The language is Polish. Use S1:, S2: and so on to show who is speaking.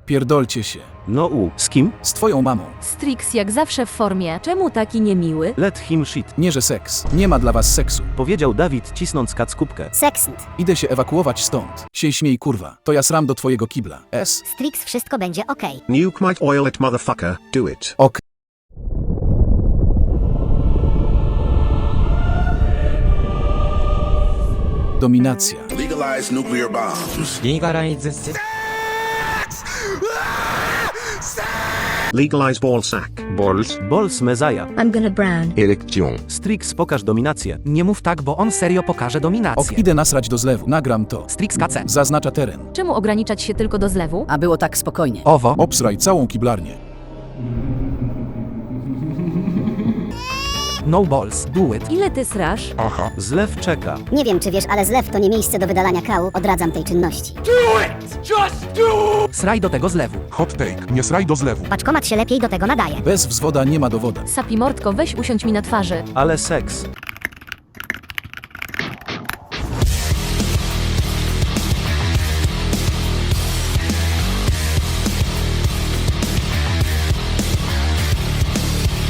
S1: Pierdolcie się.
S2: No z kim?
S1: Z twoją mamą.
S3: Strix jak zawsze w formie. Czemu taki niemiły?
S2: Let him shit.
S1: Nie, że seks. Nie ma dla was seksu.
S2: Powiedział Dawid, cisnąc kackubkę.
S4: Seksnt.
S1: Idę się ewakuować stąd. Się śmiej, kurwa. To ja sram do twojego kibla. S?
S4: Strix, wszystko będzie okej.
S5: Nuke might oil it, motherfucker. Do it.
S1: Ok. Dominacja.
S6: Legalize nuclear bombs.
S5: Legalize ball sack.
S2: Balls Messiah.
S7: I'm gonna brown.
S6: Érection.
S2: Strix, pokaż dominację.
S8: Nie mów tak, bo on serio pokaże dominację.
S1: Ok, idę nasrać do zlewu. Nagram to.
S8: Strix KC.
S1: Zaznacza teren.
S3: Czemu ograniczać się tylko do zlewu?
S9: A było tak spokojnie.
S8: Owo.
S1: Obsraj całą kiblarnię.
S8: No balls. Do it.
S3: Ile ty srasz?
S2: Zlew czeka.
S4: Nie wiem, czy wiesz, ale zlew to nie miejsce do wydalania kału. Odradzam tej czynności.
S8: Sraj do tego zlewu.
S10: Hot take, nie sraj do zlewu.
S4: Paczkomat się lepiej do tego nadaje.
S1: Bez wzwoda nie ma dowoda.
S3: Sapi mordko, weź usiądź mi na twarzy.
S2: Ale seks.